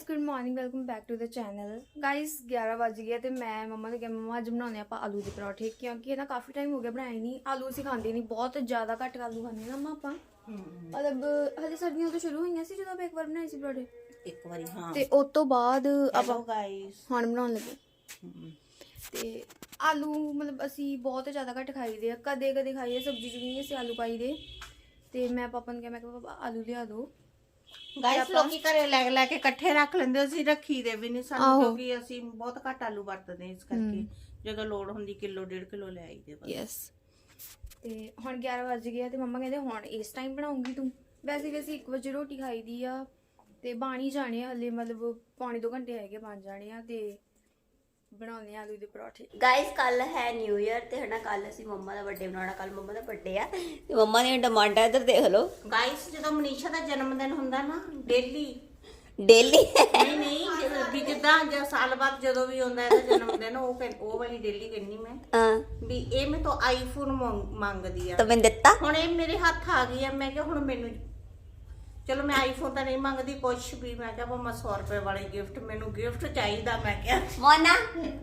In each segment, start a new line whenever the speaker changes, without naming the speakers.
Guys good morning welcome back to the channel. Guys 11 बज गए तो मैं मम्मा ने कहा मम्मा अज बनाने आप आलू के पराठे क्योंकि ना काफ़ी टाइम हो गया बनाए नहीं। आलू असीं खाते नहीं, बहुत ज़्यादा घट आलू खाने ना मम्मा आप मतलब हले सर्दियां तो शुरू हुई सी जो आप एक बार बनाए सी पराठे
एक बारी हाँ
ते उस तो बाद
हेलो
आप
गाइस
खाण बनाने लगे ते आलू मतलब असी बहुत ज़्यादा घट खाई दे कदे कदे खाइए सब्जी च भी नहीं असीं आलू पाई दे ते मैं पापा ने कहा मैं पापा आलू लिया दो
ਗਾਇਸ ਲੋਕੀ ਘਰੇ ਲੈ ਲੈ ਕੇ ਇਕੱਠੇ ਰੱਖ ਲੈਂਦੇ ਅਸੀਂ ਰੱਖੀ ਦੇ ਵੀ ਨਹੀਂ ਸਾਨੂੰ ਕਿਉਂਕਿ ਅਸੀਂ ਬਹੁਤ ਘੱਟ ਆਲੂ ਵਰਤਦੇ ਇਸ ਕਰਕੇ ਜਦੋਂ ਲੋੜ ਹੁੰਦੀ ਕਿਲੋ 1.5 ਕਿਲੋ ਲੈ ਆਈਦੇ ਬਸ
ਯੈਸ ਤੇ ਹੁਣ 11 ਵਜ ਗਏ ਤੇ ਮੰਮਾ ਕਹਿੰਦੇ ਹੁਣ ਇਸ ਟਾਈਮ ਬਣਾਉਂਗੀ ਤੂੰ ਵੈਸੇ ਵੀ ਅਸੀਂ 1 ਵਜੇ ਰੋਟੀ ਖਾਈ ਦੀ ਆ ਤੇ ਬਣ ਹੀ ਜਾਣੇ ਹਲੇ ਮਤਲਬ ਪੌਣੇ 2 ਘੰਟੇ ਹੈਗੇ ਬਣ ਜਾਣੇ ਆ ਤੇ ਬਣਾਉਣੇ ਆਲੂ ਦੇ ਪਰੌਠੇ।
गाइस कल है न्यू ईयर ते हना कल ਅਸੀਂ ਮੰਮਾ ਦਾ ਬਰਥਡੇ ਬਣਾਉਣਾ ਕੱਲ ਮੰਮਾ ਦਾ ਬਰਥਡੇ ਆ ਤੇ ਮੰਮਾ ਦੀਆਂ ਡਿਮਾਂਡਾਂ ਇੱਧਰ ਦੇਖ ਲਓ
ਗਾਇਸ ਜਦੋਂ ਮਨੀਸ਼ਾ ਦਾ ਜਨਮ ਦਿਨ ਹੁੰਦਾ ਨਾ ਡੇਲੀ
ਡੇਲੀ
ਨਹੀਂ ਜਦੋਂ ਵੀ ਜਿੱਦਾਂ ਸਾਲ ਬਾਅਦ ਜਦੋਂ ਵੀ ਹੁੰਦਾ ਇਹਦਾ ਜਨਮ ਦਿਨ ਉਹ ਵਾਲੀ ਡੇਲੀ ਕਹਿੰਨੀ ਮੈਂ
ਹਾਂ
ਵੀ ਇਹ ਮੈਂ ਤੋਂ ਆਈਫੋਨ ਮੰਗਦੀ ਆ
ਤਾਂ ਮੈਂ ਦਿੱਤਾ
ਹੁਣ ਇਹ ਮੇਰੇ ਹੱਥ ਆ ਗਈ ਆ ਮੈਂ ਕਿਹਾ ਹੁਣ ਮੈਨੂੰ ਚਲੋ ਮੈਂ ਆਈਫੋਨ ਤਾਂ ਨਹੀਂ ਮੰਗਦੀ ਕੁਛ ਵੀ ਮੈਂ ਕਿਹਾ ਭਾਵੇਂ 100 ਰੁਪਏ ਵਾਲੀ ਗਿਫਟ ਮੈਨੂੰ ਗਿਫਟ ਚਾਹੀਦਾ ਮੈਂ ਕਿਹਾ
ਮੋਨਾ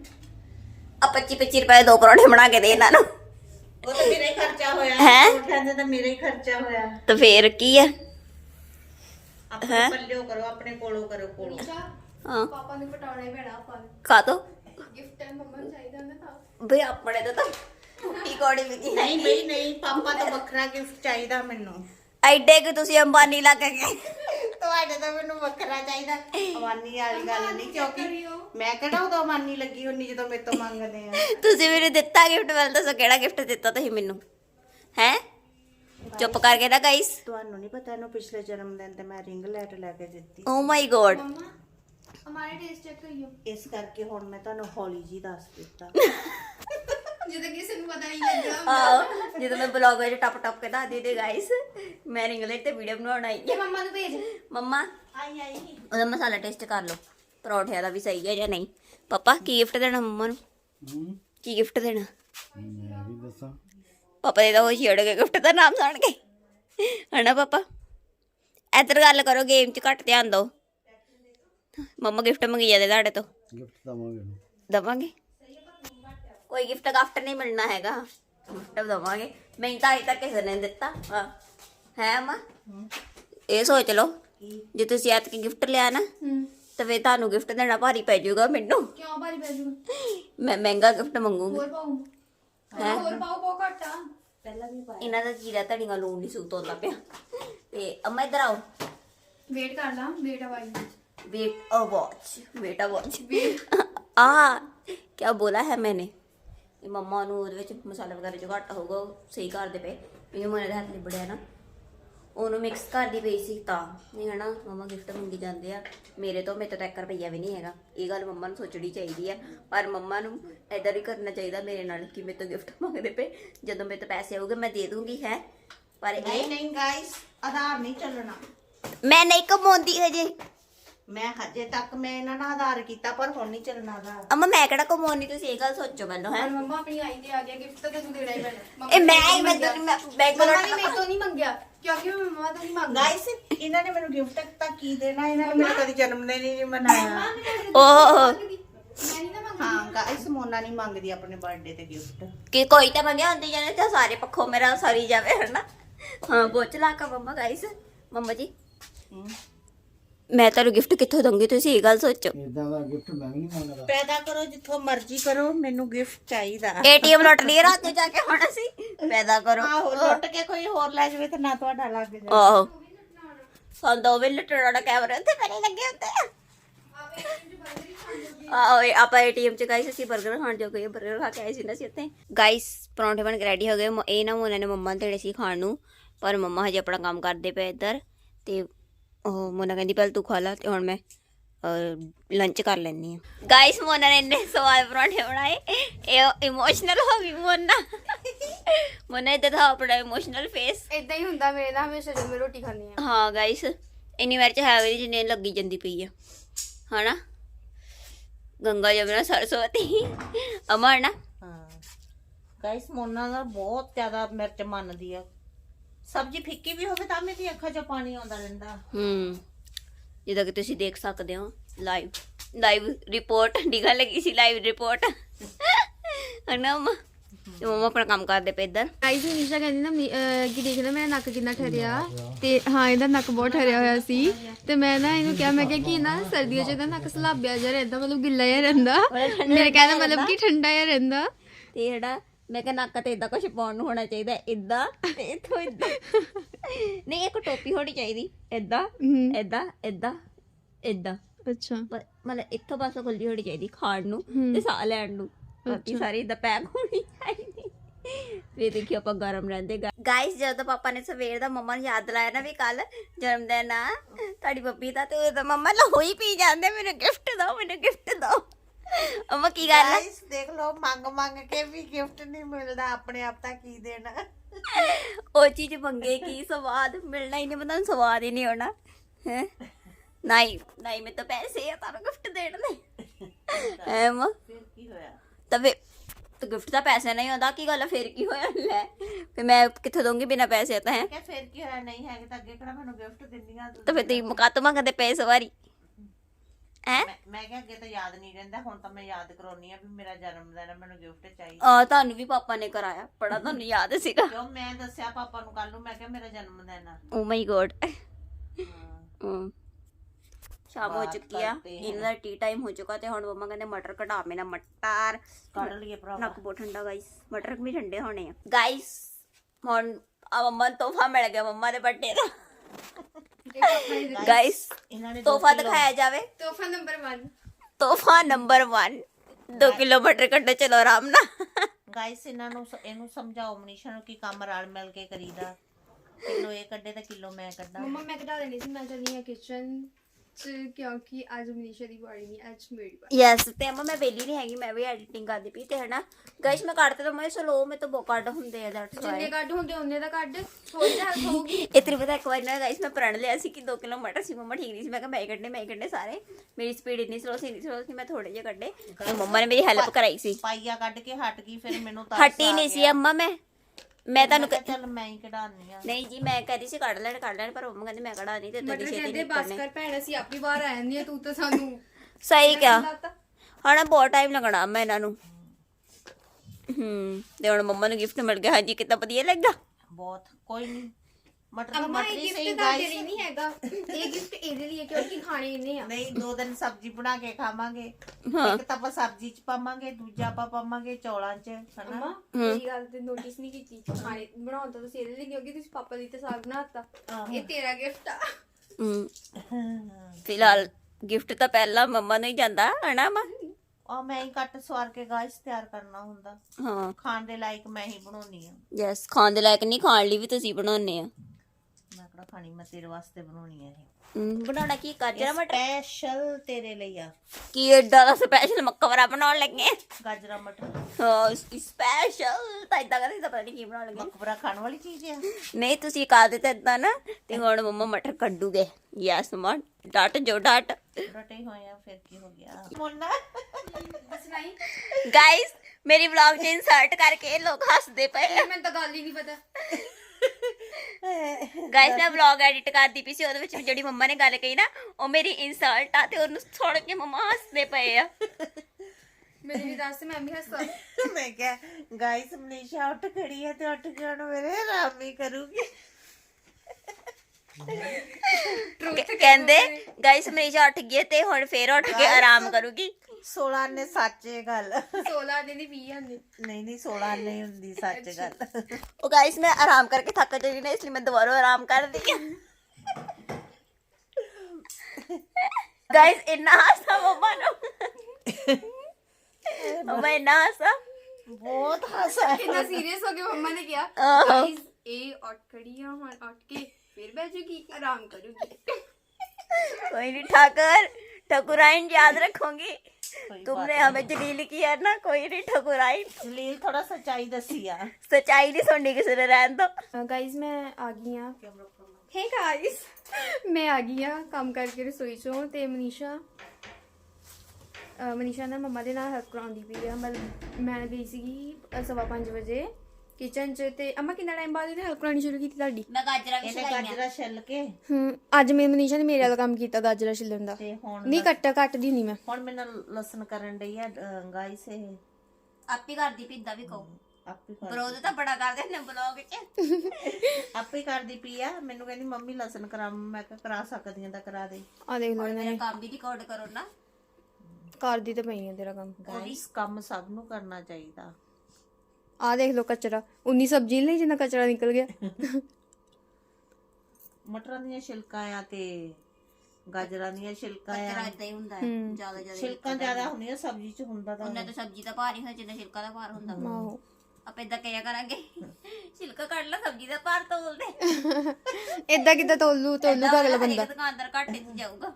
ਆ 25 ਰੁਪਏ ਦੋ ਪਰੌਂਠੇ ਬਣਾ ਕੇ ਦੇ ਇਹਨਾਂ ਨੂੰ
ਉਹ ਤਾਂ ਮੇਰਾ ਹੀ ਖਰਚਾ ਹੋਇਆ
ਹੈਂ?
ਉਠਾਂਦੇ ਤਾਂ ਮੇਰਾ ਹੀ ਖਰਚਾ ਹੋਇਆ
ਤਾਂ ਫੇਰ ਕੀ ਆ
ਆਪਣੇ ਪੱਲਿਓ ਕਰੋ ਆਪਣੇ ਕੋਲੋਂ ਕਰੋ ਕੋਲੋਂ
ਹਾਂ
ਪਾਪਾ ਨੂੰ ਪਟਾਉਣਾ ਹੀ ਪੈਣਾ ਆਪਾਂ
ਖਾ ਦੋ
ਗਿਫਟ ਹੈ ਮੰਮਾ ਨੂੰ ਚਾਹੀਦਾ ਨਾ ਤਾਂ
ਬਈ ਆਪਣੇ ਤਾਂ ਟੁੱਟੀ ਕੋੜੀ ਵੀ
ਨਹੀਂ ਬਈ ਨਹੀਂ ਪਾਪਾ ਤੋਂ ਵੱਖਰਾ ਗਿਫਟ ਚਾਹੀਦਾ ਮੈਨੂੰ
ਐਡੇ ਕਿ ਤੁਸੀਂ ਅੰਬਾਨੀ ਲੱਗ ਗਏ
ਤੁਹਾਡੇ ਤਾਂ ਮੈਨੂੰ ਵੱਖਰਾ ਚਾਹੀਦਾ ਅਮਾਨੀ ਵਾਲੀ ਗੱਲ ਨਹੀਂ ਕਿਉਂਕਿ ਮੈਂ ਕਿਹੜਾ ਉਦੋਂ ਅਮਾਨੀ ਲੱਗੀ ਹੁੰਨੀ ਜਦੋਂ ਮੇਰੇ ਤੋਂ ਮੰਗਦੇ ਆ
ਤੁਸੀਂ ਮੈਨੂੰ ਦਿੱਤਾ ਗਿਫਟ ਵੱਲ ਦੱਸੋ ਕਿਹੜਾ ਗਿਫਟ ਦਿੱਤਾ ਤੁਸੀਂ ਮੈਨੂੰ ਹੈ ਚੁੱਪ ਕਰਕੇ ਨਾ ਗਾਇਸ
ਤੁਹਾਨੂੰ ਨਹੀਂ ਪਤਾ ਇਹਨੂੰ ਪਿਛਲੇ ਜਨਮ ਦਿਨ ਤੇ ਮੈਂ ਰਿੰਗ ਲਾਈਟ ਲੈ ਕੇ ਦਿੱਤੀ
ਓ ਮਾਈ ਗॉड
ਮੰਮਾ ਹਮਾਰੇ ਟੇਸਟ ਚੈੱਕ ਕਰਿਓ
ਇਸ ਕਰਕੇ ਹੁਣ ਮੈਂ ਤੁਹਾਨੂੰ ਹੌਲੀ ਜੀ ਦੱਸ ਦਿੱਤਾ
ਜਦੋਂ ਕਿਸੇ ਨੂੰ ਪਤਾ ਨਹੀਂ ਲੱਗਾ
ਆਹ ਜਦੋਂ ਮੈਂ ਬਲੌਗ ਵਿੱਚ ਟਪ ਕੇ ਦੱਸ ਦਿੱਤੇ ਗਾਇਸ ਮੈਂ ਇੰਗਲਿਸ਼ ਤੇ ਵੀਡੀਓ ਬਣਾਉਣ ਆਈ
ਇਹ ਮੰਮਾ ਨੂੰ ਭੇਜ
ਮੰਮਾ
ਆਈ ਆਈ
ਉਹਦਾ ਮਸਾਲਾ ਟੇਸਟ ਕਰ ਲਓ ਪਰੌਂਠਿਆਂ ਦਾ ਵੀ ਸਹੀ ਹੈ ਜਾਂ ਨਹੀਂ ਪਾਪਾ ਕੀ ਗਿਫਟ ਦੇਣਾ ਮੰਮਾ ਨੂੰ ਕੀ ਗਿਫਟ ਦੇਣਾ
ਮੈਂ ਵੀ ਦੱਸਾਂ
ਪਾਪਾ ਦੇ ਤਾਂ ਉਹ ਛੇੜ ਕੇ ਗਿਫਟ ਦਾ ਨਾਮ ਸੁਣ ਕੇ ਹਨਾ ਪਾਪਾ ਇੱਧਰ ਗੱਲ ਕਰੋ ਗੇਮ 'ਚ ਘੱਟ ਧਿਆਨ ਦਿਓ ਮੰਮਾ ਗਿਫਟ ਮੰਗੀ ਜਾਂਦੇ ਤੁਹਾਡੇ ਤੋਂ
ਗਿਫਟ ਦਵਾਂਗੇ
ਦਵਾਂਗੇ ਕੋਈ ਗਿਫਟ ਗਾਫਟ ਨਹੀਂ ਮਿਲਣਾ ਹੈਗਾ ਗਿਫਟ ਦਵਾਂਗੇ ਮੈਂ ਤਾਂ ਅਜੇ ਤੱਕ ਕਿਸੇ ਨੇ ਨਹੀਂ ਦਿੱਤਾ ਹਾਂ ਹੈ ਅਮਾ ਇਹ ਸੋਚ ਲਓ ਜੇ ਤੁਸੀਂ ਐਤਕੀ ਗਿਫਟ ਲਿਆ ਨਾ ਤਾਂ ਫੇਰ ਤੁਹਾਨੂੰ ਗਿਫਟ ਦੇਣਾ ਭਾਰੀ ਪੈ ਜਾਊਗਾ ਮੈਨੂੰ
ਕਿਉਂ ਭਾਰੀ ਪੈ ਜੂਗਾ
ਮੈਂ ਮਹਿੰਗਾ ਗਿਫਟ ਮੰਗੂਗੀ
ਹੋਰ ਪਾਉ ਹੋਰ ਪਾਉ ਬਹੁਤ ਘੱਟ ਆ
ਪਹਿਲਾਂ ਵੀ ਪਾਇਆ
ਇਹਨਾਂ ਦਾ ਜੀਰਾ ਧੜੀਆਂ ਲੂਣ ਨਹੀਂ ਸੂਤ ਹੁੰਦਾ ਪਿਆ ਤੇ ਅਮਾ ਇੱਧਰ ਆਓ
ਵੇਟ ਕਰ ਲਾ ਵੇਟ ਆਵਾਈ
वेट अ वॉच आ क्या बोला है मैंने ਮੰਮਾ ਨੂੰ ਉਹਦੇ ਵਿੱਚ ਮਸਾਲਾ ਵਗੈਰਾ ਜੋ ਘੱਟ ਹੋਊਗਾ ਉਹ ਸਹੀ ਕਰਦੇ ਪਏ ਕਿਉਂਕਿ ਮੇਰੇ ਦੇ ਹੱਥ ਲਿਬੜਿਆ ਨਾ ਉਹਨੂੰ ਮਿਕਸ ਕਰਦੀ ਪਈ ਸੀ ਤਾਂ ਨਹੀਂ ਹਨਾ ਮੰਮਾ ਗਿਫਟ ਮੰਗੀ ਜਾਂਦੇ ਆ ਮੇਰੇ ਤੋਂ 1 ਰੁਪਈਆ ਵੀ ਨਹੀਂ ਹੈਗਾ ਇਹ ਗੱਲ ਮੰਮਾ ਨੂੰ ਸੋਚਣੀ ਚਾਹੀਦੀ ਆ ਪਰ ਮੰਮਾ ਨੂੰ ਏਦਾਂ ਹੀ ਕਰਨਾ ਚਾਹੀਦਾ ਮੇਰੇ ਨਾਲ ਕਿ ਮੇਰੇ ਤੋਂ ਗਿਫਟ ਮੰਗਦੇ ਪਏ ਜਦੋਂ ਮੇਰੇ ਤੋਂ ਪੈਸੇ ਆਉਗੇ ਮੈਂ ਦੇ ਦੂੰਗੀ ਹੈ ਪਰ ਇਹ
ਨਹੀਂ ਗਾਇਸ ਆਧਾਰ ਨਹੀਂ ਚੱਲਣਾ
ਮੈਂ ਨਹੀਂ ਕਮਾਉਂਦੀ ਹਜੇ
ਮੈਂ ਹਜੇ ਤੱਕ ਮੈਂ ਇਹਨਾਂ ਨਾਲ ਆਧਾਰ ਕੀਤਾ ਪਰ ਹੁਣ ਨਹੀਂ ਚੱਲਣਾ ਆਧਾਰ
ਅਮਾ ਮੈਂ ਕਿਹੜਾ ਕਮਾਉਣੀ ਤੁਸੀਂ ਇਹ ਗੱਲ ਸੋਚੋ ਮੈਨੂੰ ਹੈ
ਮੰਮਾ ਆਪਣੀ ਆਈ ਤੇ ਆ ਗਿਆ ਗਿਫਟ ਤਾਂ ਤੈਨੂੰ ਦੇਣਾ ਹੀ ਪੈਣਾ
ਇਹ ਮੈਂ ਹੀ ਬੈਂਕ
ਮੰਮਾ ਨੇ ਮੇਰੇ ਤੋਂ ਨਹੀਂ ਮੰਗਿਆ ਕਿਉਂਕਿ ਮੈਂ ਮੰਮਾ ਤੋਂ ਨਹੀਂ ਮੰਗਦਾ
ਗਾਇਸ ਇਹਨਾਂ ਨੇ ਮੈਨੂੰ ਗਿਫਟ ਤਾਂ ਕੀ ਦੇਣਾ ਇਹਨਾਂ ਨੇ ਮੇਰਾ ਕਦੀ ਜਨਮ ਦਿਨ ਹੀ ਨਹੀਂ ਮਨਾਇਆ
ਓਹ
ਮੈਂ ਨਹੀਂ ਨਾ ਮੰਗਦੀ
ਹਾਂ ਗਾਇਸ ਮੋਨਾ ਨਹੀਂ ਮੰਗਦੀ ਆਪਣੇ ਬਰਥਡੇ ਤੇ ਗਿਫਟ
ਕਿ ਕੋਈ ਤਾਂ ਮੰਗਿਆ ਹੁੰਦੀ ਜਾਨੇ ਤਾਂ ਸਾਰੇ ਪੱਖੋਂ ਮੇਰਾ ਸਰੀ ਜਾਵੇ ਹਨਾ ਹਾਂ ਬੋਚ ਲਾ ਕੇ ਮੰਮਾ ਗਾਇਸ ਮੰਮਾ ਜੀ ਮੈਂ ਤੁਹਾਨੂੰ ਗਿਫਟ ਕਿੱਥੋਂ ਦਊਂਗੀ ਤੁਸੀਂ ਇਹ ਗੱਲ ਸੋਚੋ
ਇਦਾਂ ਦਾ ਗਿਫਟ ਮੈਂ ਵੀ ਨਹੀਂ ਮੰਗਦਾ
ਪੈਦਾ ਕਰੋ ਜਿੱਥੋਂ ਮਰਜ਼ੀ ਕਰੋ ਮੈਨੂੰ ਗਿਫਟ ਚਾਹੀਦਾ
ਏਟੀਐਮ ਲੁੱਟ ਲਈ ਰਾਤ ਨੂੰ ਜਾ ਕੇ ਹੁਣ ਅਸੀਂ ਪੈਦਾ ਕਰੋ
ਆਹੋ ਲੁੱਟ ਕੇ ਕੋਈ ਹੋਰ ਲੈ ਜਾਵੇ ਤਾਂ ਨਾ ਤੁਹਾਡਾ ਲੱਗ ਜਾਵੇ
ਆਹੋ ਸਾਨੂੰ ਤਾਂ ਉਹ ਵੀ ਲੁੱਟਣ ਦਾ ਕੈਮਰਾ ਉੱਤੇ ਪਰੇ ਲੱਗੇ ਹੁੰਦੇ ਆਹੋ ਆਪਾਂ ਏਟੀਐਮ ਚ ਗਾਇਸ ਅਸੀਂ 버ਗਰ ਖਾਣ ਜੋ ਗਏ 버ਗਰ ਖਾ ਕੇ ਆਏ ਸੀ ਨਾ ਅਸੀਂ ਉੱਥੇ ਗਾਇਸ ਪਰੌਂਠੇ ਬਣ ਕੇ ਰੈਡੀ ਹੋ ਗਏ ਇਹ ਨਾ ਉਹਨਾਂ ਨੇ ਮੰਮਾ ਨੂੰ ਦੇਣੇ ਸੀ ਖਾਣ ਨੂੰ ਪਰ ਮੰਮਾ ਹਜੇ ਆਪਣਾ ਕੰਮ ਕਰਦੇ ਪਏ ਇੱਧਰ ਤੇ ਉਹ ਮੋਨਾ ਕਹਿੰਦੀ ਪਹਿਲਾਂ ਤੂੰ ਖਾ ਲਾ ਤੇ ਹੁਣ ਮੈਂ ਲੰਚ ਕਰ ਲੈਣੀ ਆ ਗਾਇਸ ਮੋਨਾ ਨੇ ਇੰਨੇ ਸਵਾਦ ਪਰੌਂਠੇ ਬਣਾਏ ਇਹ ਇਮੋਸ਼ਨਲ ਹੋ ਗਈ ਮੋਨਾ ਇੱਦਾਂ ਦਾ ਆਪਣਾ ਇਮੋਸ਼ਨਲ ਫੇਸ
ਇਦਾਂ ਹੀ ਹੁੰਦਾ ਮੇਰੇ ਨਾਲ ਹਮੇਸ਼ਾ ਜਦ ਮੈਂ ਰੋਟੀ ਖਾਂਦੀ ਆ
ਹਾਂ ਗਾਇਸ ਇੰਨੀ ਵਾਰ ਚ ਹੈ ਵੀ ਜਿੰਨੇ ਲੱਗੀ ਜਾਂਦੀ ਪਈ ਆ ਹਨਾ ਗੰਗਾ ਜਮਨਾ ਸਰਸਵਤੀ ਅਮਰ ਨਾ
ਹਾਂ ਗਾਇਸ ਮੋਨਾ ਦਾ ਬਹੁਤ ਜ਼ਿਆਦਾ ਮਿਰਚ ਮੰਨਦੀ ਆ ਸਬਜ਼ੀ ਫਿੱਕੀ ਵੀ ਹੋਵੇ ਤਾਂ ਮੇਰੀ ਅੱਖਾਂ 'ਚੋਂ ਪਾਣੀ ਆਉਂਦਾ ਰਹਿੰਦਾ
ਜਿੱਦਾਂ ਕਿ ਤੁਸੀਂ ਦੇਖ ਸਕਦੇ ਹੋ ਲਾਈਵ ਰਿਪੋਰਟ ਡਿਗਣ ਲੱਗੀ ਸੀ, ਲਾਈਵ ਰਿਪੋਰਟ ਹਨਾ ਮੰਮਾ। ਤੇ ਮੰਮਾ ਆਪਣਾ ਕੰਮ ਕਰਦੇ ਪਏ ਇੱਧਰ।
ਗਾਈਸ ਮਨੀਸ਼ਾ ਕਹਿੰਦੀ ਨਾ ਕਿ ਦੇਖਣਾ ਮੇਰਾ ਨੱਕ ਕਿੰਨਾ ਠਰਿਆ, ਤੇ ਹਾਂ ਇਹਦਾ ਨੱਕ ਬਹੁਤ ਠਰਿਆ ਹੋਇਆ ਸੀ। ਤੇ ਮੈਂ ਨਾ ਇਹਨੂੰ ਕਿਹਾ, ਮੈਂ ਕਿਹਾ ਕਿ ਨਾ ਸਰਦੀਆਂ 'ਚ ਇਹਦਾ ਨੱਕ ਸਲਾਬਿਆ ਜਿਹਾ ਰਹਿੰਦਾ, ਮਤਲਬ ਗਿੱਲਾ ਜਿਹਾ ਰਹਿੰਦਾ। ਮੇਰੇ ਕਹਿੰਦਾ ਮਤਲਬ ਕਿ ਠੰਡਾ ਜਿਹਾ ਰਹਿੰਦਾ।
ਤੇ ਜਿਹੜਾ ਮੈਂ ਕਿਹਾ ਨੱਕ ਤੇ ਇਦਾਂ ਕੁਝ ਪਾਉਣ ਨੂੰ ਹੋਣਾ ਚਾਹੀਦਾ, ਇਦਾਂ ਤੇ ਇੱਥੋਂ ਇਦਾਂ ਨਹੀਂ, ਇੱਕ ਟੋਪੀ ਹੋਣੀ ਚਾਹੀਦੀ, ਇਦਾਂ ਇਦਾਂ ਇਦਾਂ ਇਦਾਂ,
ਅੱਛਾ
ਮਤਲਬ ਇੱਥੋਂ ਬਸ ਖੁੱਲੀ ਹੋਣੀ ਚਾਹੀਦੀ ਖਾਣ ਨੂੰ ਤੇ ਸਾਹ ਲੈਣ ਨੂੰ, ਬਾਕੀ ਸਾਰੀ ਇਦਾਂ ਪੈਕ ਹੋਣੀ ਚਾਹੀਦੀ। ਫਿਰ ਦੇਖੀ ਆਪਾਂ ਗਰਮ ਰਹਿੰਦੇ। ਗਾਇਸ ਜਦੋਂ ਪਾਪਾ ਨੇ ਸਵੇਰ ਦਾ ਮੰਮਾ ਨੂੰ ਯਾਦ ਦਿਲਾਇਆ ਨਾ ਵੀ ਕੱਲ ਜਨਮ ਦਿਨ ਆ ਤੁਹਾਡੀ ਬੱਬੀ ਦਾ, ਤੇ ਉਦੋਂ ਮੰਮਾ ਲੋਈ ਪੀ ਜਾਂਦੇ, ਮੈਨੂੰ ਗਿਫਟ ਦਿਓ, ਮੈਨੂੰ ਗਿਫਟ ਦਿਓ। ਮੰਮਾ ਕੀ ਗੱਲ ਹੈ?
ਗਾਇਸ ਦੇਖ ਲਓ, ਮੰਗ ਕੇ ਵੀ ਗਿਫਟ ਨਹੀਂ ਮਿਲਦਾ, ਆਪਣੇ ਆਪ ਤਾਂ ਕੀ ਦੇਣਾ।
ਉਹ ਚੀਜ਼ ਮੰਗੇ ਕੀ ਸਵਾਦ ਮਿਲਣਾ ਹੀ ਨਹੀਂ, ਬੰਦਾ ਸਵਾਦ ਹੀ ਨਹੀਂ ਹੋਣਾ ਹੈ। ਨਹੀਂ ਮੈਂ ਤਾਂ ਪੈਸੇ ਆ ਤੁਹਾਨੂੰ ਗਿਫਟ ਦੇਣ ਦੇ ਐ ਮਾਂ।
ਫਿਰ ਕੀ ਹੋਇਆ?
ਤਾਂ ਗਿਫਟ ਤਾਂ ਪੈਸੇ ਨਹੀਂ ਹੁੰਦਾ, ਕੀ ਗੱਲ ਆ, ਫਿਰ ਕੀ ਹੋਇਆ? ਲੈ ਫਿਰ ਮੈਂ ਕਿੱਥੋਂ ਦਊਂਗੀ ਬਿਨਾ ਪੈਸੇ ਤਾਂ ਹੈ।
ਕਿ ਫਿਰ ਕੀ ਹੋਇਆ? ਨਹੀਂ ਹੈਗੇ ਤਾਂ ਅੱਗੇ ਕਿਹੜਾ ਮੈਨੂੰ ਗਿਫਟ ਦਿੰਦੀਆਂ ਤੂੰ?
ਤਾਂ ਫਿਰ ਤੁਸੀਂ ਮੁਕਾਤ ਮੰਗਦੇ ਪਏ ਸਵਾਰੀ ਹੈ।
ਮੈਂ ਕਿਹਾ ਅੱਗੇ ਤਾਂ ਯਾਦ ਨਹੀਂ ਰਹਿੰਦਾ, ਹੁਣ ਤਾਂ ਮੈਂ ਯਾਦ ਕਰਾਉਣੀ ਆ ਵੀ ਮੇਰਾ ਜਨਮ ਦਿਨ ਹੈ, ਮੈਨੂੰ ਗਿਫਟ ਚਾਹੀਦਾ।
ਤੁਹਾਨੂੰ ਵੀ ਪਾਪਾ ਨੇ ਕਰਾਇਆ, ਬੜਾ ਤੁਹਾਨੂੰ ਯਾਦ ਸੀਗਾ।
ਕਿਉਂ ਮੈਂ ਦੱਸਿਆ ਪਾਪਾ ਨੂੰ ਕੱਲ ਨੂੰ, ਮੈਂ ਕਿਹਾ ਮੇਰਾ ਜਨਮ ਦਿਨ ਆ।
Oh my god.
ਹਾਂ।
ਸ਼ਾਮ ਹੋ ਚੁੱਕੀ ਆ, ਇਹਨਾਂ ਦਾ ਟੀ ਟਾਈਮ ਹੋ ਚੁੱਕਾ, ਤੇ ਹੁਣ ਮੰਮਾ ਕਹਿੰਦੇ ਮਟਰ ਕਢਾ ਮੇਰਾ, ਮਟਰ
ਕੱਢ ਲਈਏ ਭਰਾ।
ਨੱਕ ਬਹੁਤ ਠੰਡਾ ਗਾਈਸ, ਮਟਰ ਵੀ ਠੰਡੇ ਹੋਣੇ ਆ ਗਾਈਸ। ਹੁਣ ਆ ਮੰਮਾ ਨੂੰ ਤੋਹਫਾ ਮਿਲ ਗਿਆ ਮੰਮਾ ਦੇ ਬਰਥਡੇ ਦਾ। ਗਾਈਸ
ਇਹਨਾਂ ਨੇ
ਤੋਹਫਾ ਦਿਖਾਇਆ ਜਾਵੇ।
ਤੋਹਫਾ ਨੰਬਰ 1
2 ਕਿਲੋ ਮਟਰ ਕੱਢੋ, ਚਲੋ ਆਰਾਮ ਨਾਲ।
ਗਾਇਸ ਇਹਨੂੰ ਸਮਝਾਓ ਮਨੀਸ਼ਾ ਨੂੰ ਕਿ ਕੰਮ ਰਲ ਮਿਲ ਕੇ ਕਰੀਦਾ। ਕਿਲੋ ਇਹ ਕੱਢੇ ਤਾਂ ਕਿਲੋ ਮੈਂ ਕੱਢਾਂ।
ਮੰਮਾ ਮੈਂ ਕਢਾ ਲੈਣੀ ਸੀ, ਮੈਂ ਚੱਲੀ ਆ ਕਿਚਨ 'ਚ ਕਿਉਂਕਿ ਅੱਜ ਮਨੀਸ਼ਾ ਦੀ ਵਾਰੀ ਨਹੀਂ, ਅੱਜ ਮੇਰੀ ਵਾਰੀ।
ਯੈਸ ਤੇ ਅੰਮਾ ਮੈਂ ਵੇਲੀ ਨਹੀਂ ਹੈਗੀ, ਮੈਂ ਵੀ ਐਡੀਟਿੰਗ ਕਰਦੀ ਪਈ ਤੇ ਹਨਾ ਗਾਈਸ ਮੈਂ ਕੱਢ ਤੇ ਮੈਂ ਸਲੋ ਮੇ ਤੋਂ ਬਹੁਤ ਕੱਢ ਹੁੰਦੇ ਆ, ਦੈਟਸ
ਜਿੰਨੇ
ਵਾਈ
ਕੱਢ ਹੁੰਦੇ ਉਹਨੇ ਦਾ ਕੱਢ, ਥੋੜੀ ਜਿਹਾ ਹੋਊਗੀ।
ਇਤਨੀ ਪਤਾ ਇੱਕ ਵਾਰ ਨਾ ਗਾਈਸ ਮੈਂ ਪ੍ਰਣ ਲਿਆ ਸੀ ਕਿ 2 ਕਿਲੋ ਮਟਰ ਸੀ, ਮੰਮਾ ਠੀਕ ਨਹੀਂ ਸੀ, ਮੈਂ ਕਿਹਾ ਮੈਂ ਹੀ ਕੱਢਣੇ ਸਾਰੇ। ਮੇਰੀ ਸਪੀਡ ਇੰਨੀ ਸਲੋ ਸੀ ਮੈਂ ਥੋੜੇ ਜਿਹੇ ਕੱਢੇ ਤੇ ਮੰਮਾ ਨੇ ਮੇਰੀ ਹੈਲਪ ਕਰਾਈ ਸੀ।
ਪਾਈਆ ਕੱਢ ਕੇ ਹਟ ਗਈ, ਫਿਰ ਮੈਨੂੰ ਤਾਂ
ਹੱਟੀ ਨਹੀਂ ਸੀ ਅੰਮਾ, ਮੈਂ ਤੁਹਾਨੂੰ
ਚੱਲ ਮੈਂ ਹੀ ਕਢਾਉਣੀ ਆ।
ਨਹੀਂ ਜੀ ਮੈਂ ਕਹਦੀ ਸੀ ਕੱਢ ਲੈਣ ਪਰ ਮੰਮਾ ਕਹਿੰਦੇ ਮੈਂ ਕਢਾ ਨਹੀਂ ਤੇ ਤੇਰੀ
ਮਟਰ
ਛੇਤੀ
ਕਹਿੰਦੇ
ਨਹੀਂ
ਬਸ
ਕੱਢਣੇ।
ਕਰ ਭੈਣ, ਅਸੀਂ ਆਪਣੀ ਵਾਰ ਆ ਜਾਂਦੀ ਆ, ਤੂੰ ਤਾਂ ਸਾਨੂੰ
ਸਹੀ ਕਿਹਾ,
ਲਾਤਾ।
ਹਣਾ ਬਹੁਤ ਟਾਈਮ ਲੱਗਣਾ ਮੈਂ ਇਹਨਾਂ ਨੂੰ। ਤੇ ਹੁਣ ਮੰਮਾ ਨੂੰ ਗਿਫਟ ਮਿਲ ਗਿਆ। ਹਾਂਜੀ ਕਿੰਨਾ ਵਧੀਆ ਲੱਗਾ।
ਬਹੁਤ ਕੋਈ ਨਹੀਂ, ਮਟਰ ਤਾਂ
ਅੰਮਾ
ਮਟਰ
ਇਹ
ਹੀ
ਗਿਫਟ
ਸਹੀ
ਤੁਹਾਡੇ ਲਈ
ਗਾਇਸ।
ਨਹੀਂ ਹੈਗਾ, ਇਹ ਗਿਫਟ ਇਹਦੇ ਲਈ ਹੈ ਕਿਉਂਕਿ ਖਾਣੇ ਇਹਨੇ ਆ।
ਨਹੀਂ 2 ਦਿਨ ਸਬਜ਼ੀ ਬਣਾ ਕੇ ਖਾਵਾਂਗੇ, ਇੱਕ ਤਾਂ ਆਪਾਂ ਸਬਜ਼ੀ ਚ ਪਾਵਾਂਗੇ, ਦੂਜਾ ਆਪਾਂ ਪਾਵਾਂਗੇ ਚੌਲਾਂ ਚ, ਹਨਾ।
ਅੰਮਾ ਇਹ ਗੱਲ ਤੇ ਨੋਟਿਸ ਨਹੀਂ ਕੀਤੀ, ਖਾਣੇ ਬਣਾਉਣ ਤਾਂ ਤੁਸੀਂ ਇਹਦੇ ਲਈ ਕਿਉਂਕਿ ਤੁਸੀਂ ਪਾਪਾ ਲਈ ਤਾਂ ਸਾਗ ਬਣਾਤਾ, ਇਹ ਤੇਰਾ ਗਿਫਟ ਆ।
ਫਿਲਹਾਲ ਗਿਫਟ ਤਾਂ ਪਹਿਲਾਂ ਮੰਮਾ ਨੂੰ ਹੀ ਜਾਂਦਾ ਹਨਾ ਮਾਂ।
ਆ ਮੈਂ ਹੀ ਕੱਟ ਸਵਾਰ ਕੇ ਗਾਇਸ ਤਿਆਰ ਕਰਨਾ ਹੁੰਦਾ।
ਹਾਂ
ਖਾਣ ਦੇ ਲਾਇਕ ਮੈਂ ਹੀ ਬਣਾਉਣੀ ਆ।
ਯੈਸ ਖਾਣ ਦੇ ਲਾਇਕ ਨਹੀਂ, ਖਾਣ ਲਈ ਵੀ ਤੁਸੀਂ ਬਣਾਉਂਦੇ ਆ।
ਮੈਂ ਕਿਹੜਾ ਖਾਣੀ, ਮੈਂ ਤੇਰੇ ਵਾਸਤੇ ਬਣਾਉਣੀ ਆ ਇਹ।
ਬਣਾਉਣਾ ਕੀ ਗਾਜਰਾਂ ਮਟਰ
ਸਪੈਸ਼ਲ ਤੇਰੇ ਲਈ ਆ।
ਕੀ ਏਡਾ ਦਾ ਸਪੈਸ਼ਲ ਮੱਕਵਰਾ ਬਣਾਉਣ ਲੱਗੇ?
ਗਾਜਰਾਂ ਮਟਰ
ਹਾਂ ਸਪੈਸ਼ਲ ਤਾਂ ਇਦਾਂ ਕਰਦੇ ਤਾਂ ਪਤਾ ਨਹੀਂ ਕੀ ਬਣਾਉਣ ਲੱਗੇ।
ਮਕਬਰਾ ਖਾਣ ਵਾਲੀ ਚੀਜ਼ ਆ।
ਨਹੀਂ ਤੁਸੀਂ ਕਾ ਦਿੱਤਾ ਇਦਾਂ ਨਾ, ਤੇ ਹੁਣ ਮੰਮਾ ਮਟਰ ਕੱਢੂਗੇ। ਯੈਸ ਮੰਮਾ ਡਾਟ ਜੋ ਡਾਟ
ਰਟੇ ਹੋਏ ਆ, ਫਿਰ ਕੀ ਹੋ ਗਿਆ ਮੋਨਾ।
ਬਸ ਨਹੀਂ,
ਗਾਇਸ ਮੇਰੀ ਵਲੌਗ 'ਚ ਇਨਸਰਟ ਕਰਕੇ ਲੋਕ ਹੱਸਦੇ ਪਏ ਆ।
ਮੈਨੂੰ ਤਾਂ ਗੱਲ ਹੀ ਨਹੀਂ ਪਤਾ।
ਗਾਇਸ ਮੈਂ ਵਲੌਗ ਐਡਿਟ ਕਰਦੀ ਪਈ ਸੀ, ਉਹਦੇ ਵਿੱਚ ਜਿਹੜੀ ਮੰਮਾ ਨੇ ਗੱਲ ਕਹੀ ਨਾ ਉਹ ਮੇਰੀ ਇਨਸਲਟ ਆ, ਤੇ ਉਹਨੂੰ ਸੁਣ ਕੇ ਮੰਮਾ ਹੱਸਦੇ ਪਏ ਆ।
ਮੇਰੇ ਵੀ ਦੱਸ, ਮੈਂ ਵੀ ਹੱਸਾਂ।
ਮੈਂ ਕਿਹਾ ਗਾਇਸ ਮਨੀਸ਼ਾ ਉੱਠ ਖੜੀ ਹੈ ਤੇ ਉੱਠ ਕੇ ਹੁਣ ਮੇਰੇ ਆਰਾਮ ਹੀ ਕਰੂਗੀ।
ਕਹਿੰਦੇ ਗਾਇਸ ਮਨੀਸ਼ਾ ਉੱਠ ਗਈ ਤੇ ਹੁਣ ਫੇਰ ਉੱਠ ਕੇ ਆਰਾਮ ਕਰੂਗੀ।
16 ਨੇ ਸੱਚ ਇਹ ਗੱਲ।
16 ਦੇ ਨਹੀਂ 20 ਆਂਦੇ।
ਨਹੀਂ 16 ਨਹੀਂ ਹੁੰਦੀ ਸੱਚ ਗੱਲ।
ਉਹ ਗਾਇਸ ਮੈਂ ਆਰਾਮ ਕਰਕੇ ਥੱਕ ਚੁੱਕੀ ਨਾ, ਇਸ ਲਈ ਮੈਂ ਦੁਬਾਰਾ ਆਰਾਮ ਕਰਦੀ ਆ। ਗਾਇਸ ਇੰਨਾ ਹਾਸਾ ਮੰਮਾ ਨੂੰ, ਮੰਮਾ ਇੰਨਾ ਹਾਸਾ,
ਬਹੁਤ ਹਾਸਾ
ਕਿੰਨਾ ਸੀਰੀਅਸ ਹੋ ਕੇ ਮੰਮਾ ਨੇ ਕਿਹਾ
ਆਹੋ।
ਗਾਇਸ ਇਹ ਉੱਠ ਖੜੀ ਆ, ਹੁਣ ਉੱਠ ਕੇ ਫਿਰ ਬਹਿ ਜੂਗੀ, ਆਰਾਮ ਕਰੂਗੀ।
कोई नहीं ठकुराइन याद रखोगी। तुमने हमें जलील किया ना, कोई नहीं ठकुराइन।
जलील थोड़ा सच्चाई दसी आ,
सच्चाई नहीं सुननी किसी ने, रहन दो।
गाइस मैं आ गई हाँ। हे गाइस मैं आ गई हाँ काम करके रसोई चों, ते मनीषा ना मम्मा दे नाल हेल्प कराउंदी पई आ। मतलब मैं गई सीगी 5:15 वजे ਕਿਚਨ 'ਚ ਤੇ ਅੰਮਾ ਕਿੰਨਾ ਟਾਈਮ ਬਾਅਦ ਇਹਨੇ ਹੈਲਪ ਕਰਨੀ ਸ਼ੁਰੂ ਕੀਤੀ ਤੁਹਾਡੀ?
ਮੈਂ ਗਾਜਰਾਂ ਵੀ
ਇਹਨੇ
ਛਿਲਾਈਆਂ।
ਗਾਜਰਾਂ ਛਿੱਲ ਕੇ
ਅੱਜ ਮੇਰੇ ਮਨੀਸ਼ਾ ਨੇ ਮੇਰੇ ਵਾਲਾ ਕੰਮ ਕੀਤਾ ਗਾਜਰਾਂ ਛਿੱਲਣ ਦਾ।
ਤੇ ਹੁਣ
ਨਹੀਂ ਕੱਟਦੀ ਨਹੀਂ ਮੈਂ।
ਹੁਣ ਮੈਨੂੰ ਲਸਣ ਕਰਨ ਡਈ ਆ ਗਾਇਸ। ਇਹ
ਆਪੀ ਕਰਦੀ ਪਿੱਦਾ ਵੀ ਕਹੋ।
ਆਪੇ
ਬਰੋਦ ਤਾਂ ਬੜਾ ਕਰਦੇ ਨੇ ਬਲੌਗ 'ਚ।
ਆਪੇ ਕਰਦੀ ਪਈ ਆ। ਮੈਨੂੰ ਕਹਿੰਦੀ ਮੰਮੀ ਲਸਣ ਕਰਾ। ਮੈਂ ਕਿਹਾ ਕਰਾ ਸਕਦੀ ਆਂ ਤਾਂ ਕਰਾ ਦੇ।
ਆ ਦੇਖ ਲਓ
ਮੇਰਾ ਕੰਮ ਵੀ ਰਿਕਾਰਡ ਕਰੋ ਨਾ।
ਕਰਦੀ ਤੇ ਪਈ ਆ ਤੇਰਾ ਕੰਮ।
ਗਾਇਸ ਕੰਮ ਸਭ ਨੂੰ ਕਰਨਾ ਚਾਹੀਦਾ।
ਆ ਦੇਖ ਲਓ ਕਚਰਾ। ਉਨੀ ਸਬਜ਼ੀ ਲਈ ਜਿੰਨਾ ਕਚਰਾ ਨਿਕਲ ਗਿਆ।
ਮਟਰਾਂ ਦੀਆਂ ਛਿਲਕਾਂ ਆ ਤੇ ਗਾਜਰਾਂ ਦੀਆਂ ਛਿਲਕਾਂ
ਕਚਰਾ
ਆ।
ਇਦਾਂ ਹੀ ਹੁੰਦਾ ਹੈ ਜ਼ਿਆਦਾ
ਛਿਲਕਾਂ ਜ਼ਿਆਦਾ ਹੁੰਦੀਆਂ ਸਬਜ਼ੀ 'ਚ ਹੁੰਦਾ ਤਾਂ
ਉਹਨਾਂ ਤਾਂ ਸਬਜ਼ੀ ਦਾ ਭਾਰ ਹੀ ਹੁੰਦਾ ਜਿੰਨਾ ਛਿਲਕਾ ਦਾ ਭਾਰ ਹੁੰਦਾ ਵਾ।
ਆਹੋ
ਆਪਾਂ ਇਦਾਂ ਕਿਆ ਕਰਾਂਗੇ ਛਿਲਕਾ ਕੱਢ ਲਾ ਸਬਜ਼ੀ ਦਾ ਭਾਰ ਤੋਲ ਦੇ।
ਏਦਾਂ ਕਿੱਦਾਂ ਤੋਲੂ
ਏਦਾਂ
ਅਗਲਾ
ਹਰੇਕ
ਬੰਦਾ।
ਦੁਕਾਨਦਾਰ ਘਾਟੇ 'ਚ ਜਾਊਗਾ।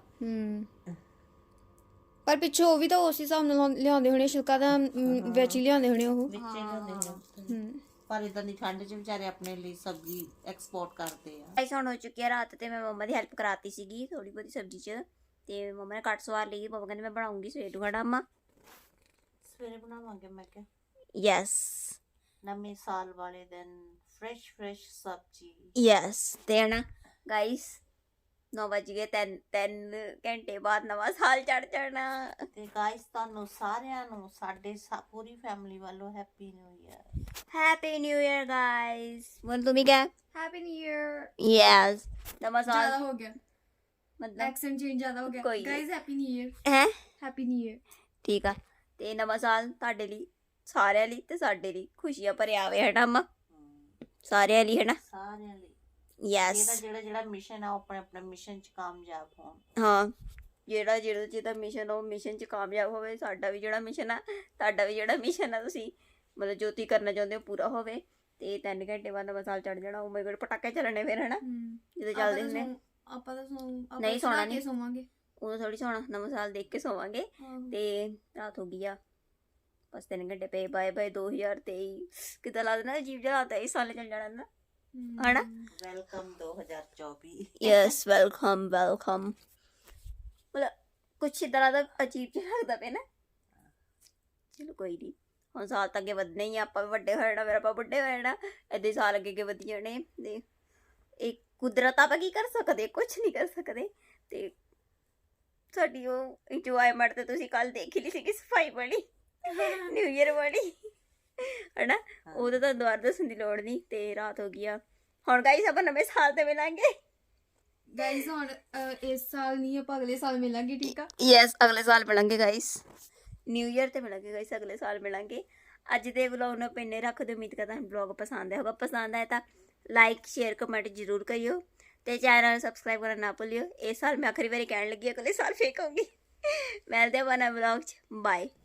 ਪਰ ਪਿੱਛੋਂ ਉਹ ਵੀ ਤਾਂ ਉਸ ਹਿਸਾਬ ਨਾਲ ਲਿਆਉਂਦੇ ਹੋਣੇ ਛਿਲਕਾ ਤਾਂ ਵਿੱਚ ਹੀ ਲਿਆਉਂਦੇ ਹੋਣੇ ਉਹ।
ਵਿੱਚੇ ਲਿਆਉਂਦੇ ਨੇ। ਪਰ ਇਦਾਂ ਦੀ ਠੰਡ 'ਚ ਵਿਚਾਰੇ ਆਪਣੇ ਲਈ ਸਬਜ਼ੀ ਐਕਸਪੋਰਟ ਕਰਦੇ ਆ।
ਗਾਇਸ ਹੁਣ ਹੋ ਚੁੱਕੀ ਆ ਰਾਤ ਤੇ ਮੈਂ ਮੰਮਾ ਦੀ ਹੈਲਪ ਕਰਾਤੀ ਸੀਗੀ ਥੋੜੀ ਬਹੁਤੀ ਸਬਜ਼ੀ 'ਚ ਤੇ ਮੰਮਾ ਨੇ ਕੱਟ ਸਵਾਰ ਲਈ। ਮੰਮਾ ਕਹਿੰਦੇ ਮੈਂ ਬਣਾਉਂਗੀ ਸਵੇਰ ਨੂੰ ਖਾਣਾ ਅੰਮਾ।
ਸਵੇਰੇ ਬਣਾਵਾਂਗੇ ਮੈਂ ਕਿਹਾ
ਯੈਸ
ਨਵੇਂ ਸਾਲ ਵਾਲੇ ਦਿਨ ਫਰੈਸ਼ ਸਬਜ਼ੀ।
ਯੈਸ ਤੇ ਹਨਾ ਗਾਇਸ 9 ਵਜ ਗਏ। 3 ਘੰਟੇ ਬਾਅਦ ਨਵਾਂ ਸਾਲ ਚੜ ਜਾਣਾ।
ਤੇ ਗਾਇਸ ਤੁਹਾਨੂੰ ਸਾਰਿਆਂ ਨੂੰ ਸਾਡੇ ਪੂਰੀ ਫੈਮਿਲੀ ਵੱਲੋਂ happy new year.
Happy new year guys. ਮਨ ਤੁਮ ਹੀ ਕਿਆ?
Happy new year.
ਯੈਸ ਨਵਾਂ ਸਾਲ
ਜ਼ਿਆਦਾ ਹੋ ਗਿਆ
ਮਤਲਬ
ਐਕਸੈਂਟ ਚੇਂਜ ਜ਼ਿਆਦਾ ਹੋ ਗਿਆ।
ਕੋਈ
ਗਾਇਜ਼ ਹੈਪੀ ਨਿਊ ਈਅਰ।
ਹੈ।
Happy new year.
ਠੀਕ ਆ ਤੇ ਨਵਾਂ ਸਾਲ ਤੁਹਾਡੇ ਲਈ ਸਾਰਿਆਂ ਲਈ ਤੇ ਸਾਡੇ ਲਈ ਖੁਸ਼ੀਆਂ ਭਰਿਆ ਆਵੇ ਹਨਾ ਅੰਮਾ ਸਾਰਿਆਂ ਲਈ ਹਨਾ।
ਸਾਰਿਆਂ ਲਈ
ਯੈਸ
ਜਿਹੜਾ ਮਿਸ਼ਨ ਆ ਉਹ ਆਪਣੇ ਮਿਸ਼ਨ 'ਚ ਕਾਮਯਾਬ ਹੋਣ।
ਹਾਂ ਜਿਹਦਾ ਮਿਸ਼ਨ ਉਹ ਮਿਸ਼ਨ 'ਚ ਕਾਮਯਾਬ ਹੋਵੇ। ਸਾਡਾ ਵੀ ਜਿਹੜਾ ਮਿਸ਼ਨ ਆ ਤੁਹਾਡਾ ਵੀ ਜਿਹੜਾ ਮਿਸ਼ਨ ਆ ਤੁਸੀਂ ਮਤਲਬ ਜੋ ਤੁਸੀਂ ਕਰਨਾ ਚਾਹੁੰਦੇ ਹੋ ਪੂਰਾ ਹੋਵੇ। ਤੇ 3 ਘੰਟੇ ਬਾਅਦ ਨਵਾਂ ਸਾਲ ਚੜ ਜਾਣਾ। ਉਹ ਮੇਰੇ ਕੋਲ ਪਟਾਕੇ ਚੱਲਣੇ ਫਿਰ ਹਨਾ ਜਦੋਂ ਚੱਲਦੇ ਹੁੰਦੇ।
ਆਪਾਂ ਤਾਂ
ਨਹੀਂ ਸੋਣਾ ਨਹੀਂ
ਸੋਵਾਂਗੇ
ਉਦੋਂ ਥੋੜੀ ਸੋਣਾ। ਨਵਾਂ ਸਾਲ ਦੇਖ ਕੇ ਸੋਵਾਂਗੇ। ਤੇ ਰਾਤ ਹੋ ਗਈ ਆ ਬਸ 3 ਘੰਟੇ ਪਏ। ਬਾਏ 2023 ਕਿੱਦਾਂ ਲੱਗਦਾ ਅਜੀਬ ਜਿਹਾ ਲੱਗਦਾ ਇਸ ਸਾਲ ਚੱਲ ਜਾਣਾ ਨਾ ਹਨਾ।
ਵੈਲਕਮ 2024।
ਯੈਸ ਵੈਲਕਮ ਮਤਲਬ ਕੁਛ ਇਦਾਂ ਦਾ ਅਜੀਬ ਜਿਹਾ ਲੱਗਦਾ ਪਿਆ ਨਾ। ਚਲੋ ਕੋਈ ਨਹੀਂ ਹੁਣ ਸਾਲ ਤਾਂ ਅੱਗੇ ਵਧਣੇ ਹੀ ਆ। ਆਪਾਂ ਵੀ ਵੱਡੇ ਹੋ ਜਾਣਾ ਫਿਰ ਆਪਾਂ ਵੱਡੇ ਹੋ ਜਾਣਾ। ਏਦਾਂ ਹੀ ਸਾਲ ਅੱਗੇ ਵਧੀ ਜਾਣੇ। ਤੇ ਇਹ ਕੁਦਰਤ ਆਪਾਂ ਕੀ ਕਰ ਸਕਦੇ ਕੁਛ ਨਹੀਂ ਕਰ ਸਕਦੇ। ਤੇ ਸਾਡੀ ਉਹ ਇੰਜੋਇਮੈਂਟ ਤੇ ਤੁਸੀਂ ਕੱਲ ਦੇਖ ਹੀ ਲਈ ਸੀਗੀ ਸਫਾਈ ਵਾਲੀ ਨਿਊ ਈਅਰ ਵਾਲੀ ਹਨਾ। ਉਹਦਾ ਤਾਂ ਦੁਬਾਰਾ ਦੱਸਣ ਦੀ ਲੋੜ ਨਹੀਂ। ਤੇ ਰਾਤ ਹੋ ਗਈ ਆ ਹੁਣ ਗਾਈਸ ਆਪਾਂ ਨਵੇਂ ਸਾਲ ਤੇ ਮਿਲਾਂਗੇ।
ਗਾਇਜ਼ ਹੁਣ ਇਸ ਸਾਲ ਨਹੀਂ ਆਪਾਂ ਅਗਲੇ ਸਾਲ ਮਿਲਾਂਗੇ ਠੀਕ ਆ।
ਯੈਸ ਅਗਲੇ ਸਾਲ ਮਿਲਾਂਗੇ ਗਾਈਸ। ਨਿਊ ਈਅਰ ਤੇ ਮਿਲਾਂਗੇ ਗਾਈਸ ਅਗਲੇ ਸਾਲ ਮਿਲਾਂਗੇ। ਅੱਜ ਦੇ ਵਲੌਗ ਨੂੰ ਪਿੰਨੇ ਰੱਖ ਦਿਓ। ਉਮੀਦ ਕਰਦਾ ਤੁਹਾਨੂੰ ਵਲੌਗ ਪਸੰਦ ਆਇਆ ਹੋਗਾ। ਪਸੰਦ ਆਇਆ ਤਾਂ ਲਾਈਕ ਸ਼ੇਅਰ ਕਮੈਂਟ ਜ਼ਰੂਰ ਕਰਿਓ ਤੇ ਚੈਨਲ ਨੂੰ ਸਬਸਕ੍ਰਾਈਬ ਕਰਨਾ ਨਾ ਭੁੱਲਿਓ। ਇਸ ਸਾਲ ਮੈਂ ਆਖਰੀ ਵਾਰੀ ਕਹਿਣ ਲੱਗੀ ਅਗਲੇ ਸਾਲ ਫੇਰ ਕਹੂੰਗੀ। ਮਿਲਦੇ ਹਾਂ ਨਵੇਂ ਵਲੌਗ 'ਚ। ਬਾਏ।